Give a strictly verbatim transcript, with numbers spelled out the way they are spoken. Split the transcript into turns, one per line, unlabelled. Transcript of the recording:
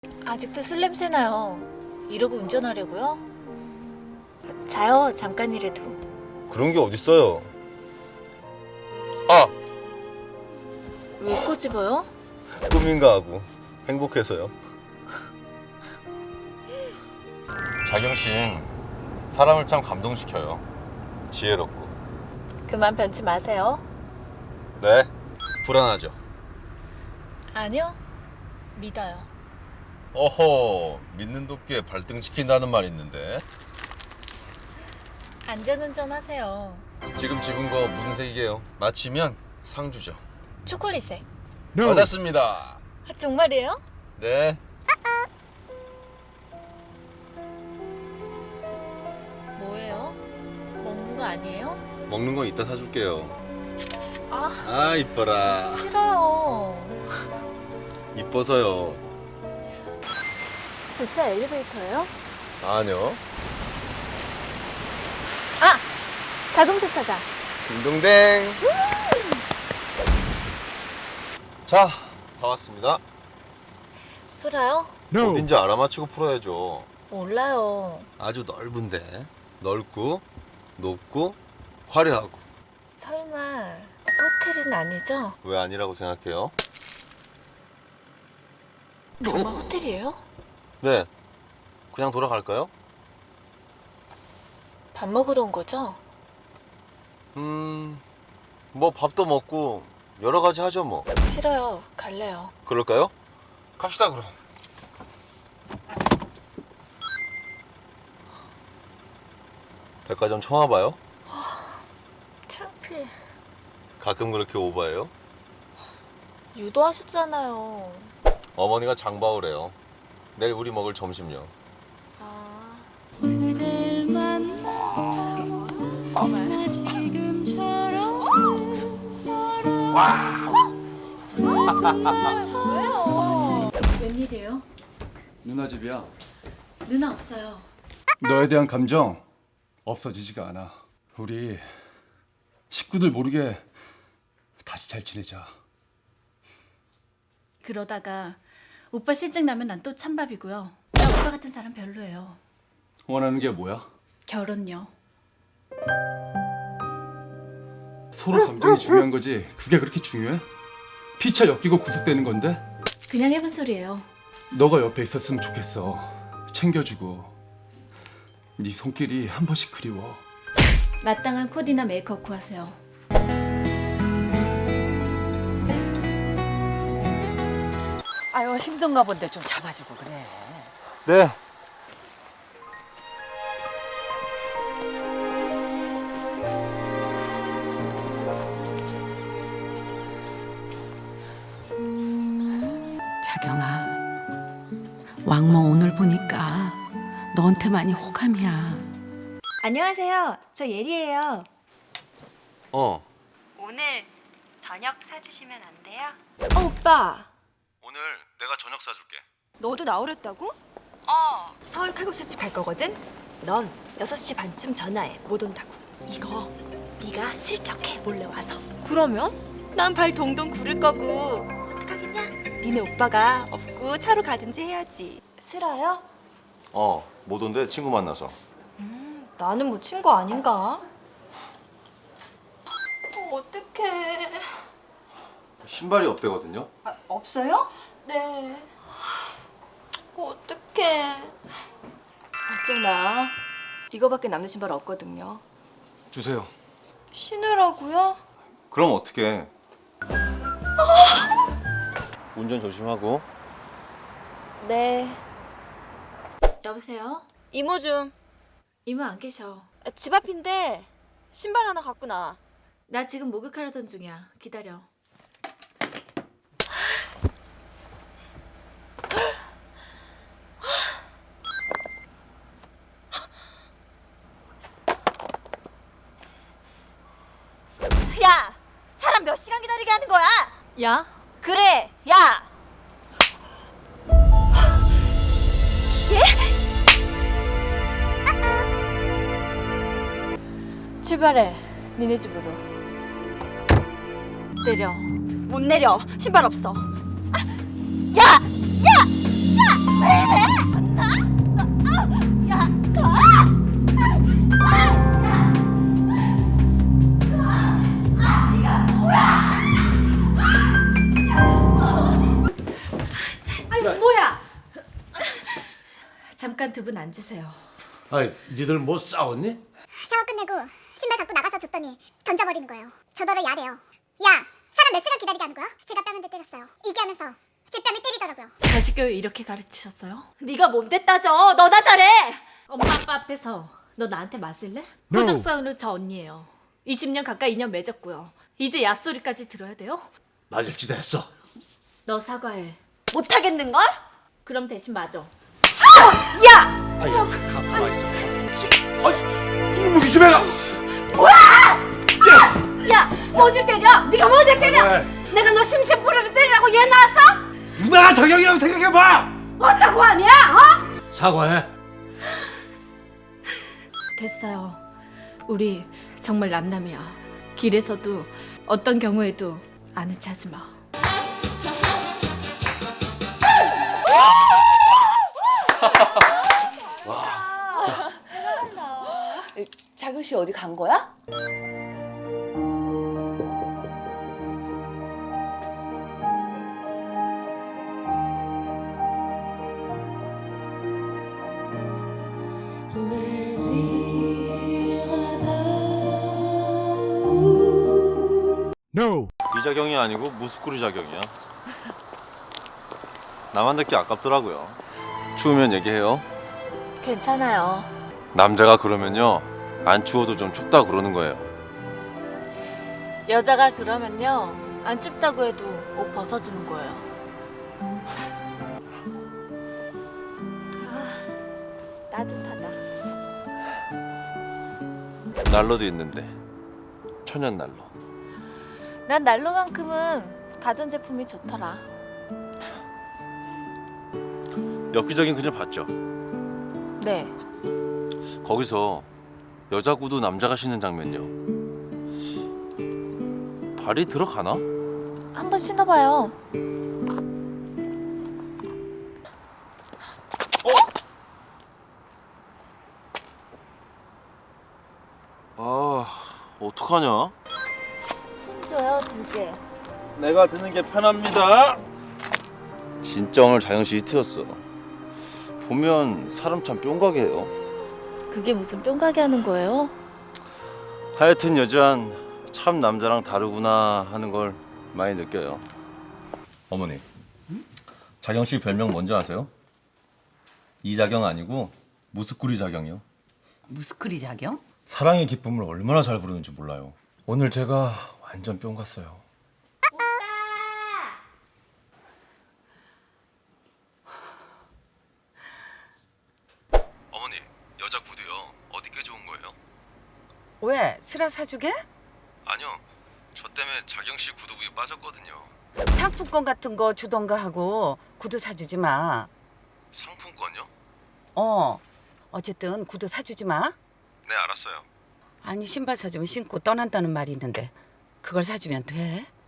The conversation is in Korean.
아직도 술 냄새 나요. 이러고 운전하려고요? 자요, 잠깐이라도.
그런 게 어딨어요. 아!
왜 꼬집어요?
꿈인가 하고 행복해서요. 자경신 사람을 참 감동시켜요. 지혜롭고.
그만 변치 마세요.
네, 불안하죠.
아니요, 믿어요.
어허, 믿는 도끼에 발등시킨다는 말 있는데.
안전운전 하세요.
지금 집은 거 무슨 색이게요? 맞히면 상주죠.
초콜릿색.
맞았습니다.
아, 정말이에요?
네.
뭐예요? 먹는 거 아니에요?
먹는 건 이따 사줄게요.
아,
아, 이뻐라.
싫어요.
이뻐서요.
주차 엘리베이터예요?
아니요.
아! 자동 세차장.
딩동댕. 자, 다 왔습니다.
풀어요?
어딘지 알아맞히고 풀어야죠.
몰라요.
아주 넓은데 넓고 높고 화려하고.
설마 호텔은 아니죠?
왜 아니라고 생각해요?
정말 호텔이에요?
네, 그냥 돌아갈까요?
밥 먹으러 온 거죠?
음, 뭐 밥도 먹고 여러 가지 하죠 뭐.
싫어요. 갈래요.
그럴까요? 갑시다 그럼. 백화점 처음 와봐요?
창피해.
가끔 그렇게 오바해요?
유도하셨잖아요.
어머니가 장바오래요. 내일 우리 먹을 점심요.
아,
그댈 만나서 정말 지금처럼
왜요?
웬일이에요?
누나 집이야.
누나 없어요.
너에 대한 감정 없어지지가 않아. 우리 식구들 모르게 다시 잘 지내자.
그러다가 오빠 실증 나면 난 또 찬밥이고요. 나 오빠 같은 사람 별로예요.
원하는 게 뭐야?
결혼요.
서로 감정이 중요한 거지. 그게 그렇게 중요해? 피차 엮이고 구속되는 건데?
그냥 해본 소리예요.
너가 옆에 있었으면 좋겠어. 챙겨주고. 네 손길이 한 번씩 그리워.
마땅한 코디나 메이크업 구하세요.
아유 힘든가 본데 좀 잡아주고 그래.
네.
자경아, 왕모 오늘 보니까 너한테 많이 호감이야.
안녕하세요. 저 예리예요.
어.
오늘 저녁 사주시면 안 돼요? 어, 오빠.
오늘 내가 저녁 사줄게.
너도 나오랬다고? 어. 서울 칼국수집 갈 거거든? 넌 여섯 시 반쯤 전화해. 못 온다고. 이거 네가 슬쩍해 몰래 와서. 그러면? 난 발 동동 구를 거고. 어떡하겠냐? 니네 오빠가 없고 차로 가든지 해야지. 싫어요?
어, 못 온대. 친구 만나서.
나는 뭐 친구 아닌가? 어, 어떡해.
신발이 없대거든요.
아, 없어요? 네. 어떡해.
어쩌나 이거밖에 남는 신발 없거든요.
주세요.
신으라고요?
그럼 어떻게? 운전 조심하고.
네.
여보세요?
이모 좀.
이모 안 계셔.
집 앞인데 신발 하나 갖고 나와.
나 지금 목욕하려던 중이야. 기다려.
야! 사람 몇 시간 기다리게 하는 거야?
야?
그래, 야! 이게?
출발해. 니네 집으로. 내려.
못 내려. 신발 없어. 아! 야! 야! 야!
잠깐 두 분 앉으세요.
아이, 니들 뭐 싸웠니?
샤워 끝내고 신발 갖고 나가서 줬더니 던져버리는 거예요. 저더러 야래요. 야, 사람 몇 시간 기다리게 하는 거야? 제가 뺨 한 대 때렸어요. 이게 하면서 제 뺨을 때리더라고요.
자식 교육 이렇게 가르치셨어요?
네가 뭔데 따져? 너나 잘해.
엄마 아빠 앞에서 너 나한테 맞을래? 호적 싸우는 저 언니예요. 이십 년 가까이 인연 맺었고요. 이제 얕소리까지 들어야 돼요?
맞을 짓 했어.
너 사과해.
못하겠는걸?
그럼 대신 맞아.
아이, 가, 가만 있어. 아이, 무기 좀 해라.
야, 뭐를 때려? 네가 뭐를 때려?
왜?
내가 너 심심부리로 때리라고 얘 나왔어?
누나가 저격이라고 생각해봐.
어떤 함이야? 어?
사과해.
됐어요. 우리 정말 남남이야. 길에서도 어떤 경우에도 아는 체 하지 마.
자경 씨 어디 간 거야?
이자경이 아니고 무스쿠리 자경이야. 나만 듣기 아깝더라고요. 추우면 얘기해요.
괜찮아요.
남자가 그러면요 안 추워도 좀 춥다 그러는 거예요.
여자가 그러면요 안 춥다고 해도 옷 벗어주는 거예요. 아, 따뜻하다.
난로도 있는데 천연 난로.
난 난로만큼은 가전제품이 좋더라.
엽기적인 그녀 봤죠?
네.
거기서 여자 구두 남자가 신는 장면요. 발이 들어가나?
한번 신어봐요.
아 어떡하냐?
신줘요 두 개.
내가 드는 게 편합니다. 진짜 오늘 자영씨 히트였어. 보면 사람 참 뿅가게 해요.
그게 무슨 뿅가게 하는 거예요?
하여튼 여자는 참 남자랑 다르구나 하는 걸 많이 느껴요. 어머니, 자경씨 별명 뭔지 아세요? 이자경 아니고 무스쿠리 자경이요.
무스크리 자경?
사랑의 기쁨을 얼마나 잘 부르는지 몰라요. 오늘 제가 완전 뿅 갔어요. 어머니, 여자 구두요. 어디 게 좋은 거예요?
왜? 슬아 사주게?
아니요, 저 때문에 자경 씨 구두부에 빠졌거든요.
상품권 같은 거 주던가 하고 구두 사주지 마.
상품권요?
어. 어쨌든 구두 사주지 마.
네, 알았어요.
아니 신발 사주면 신고 떠난다는 말이 있는데 그걸 사주면 돼?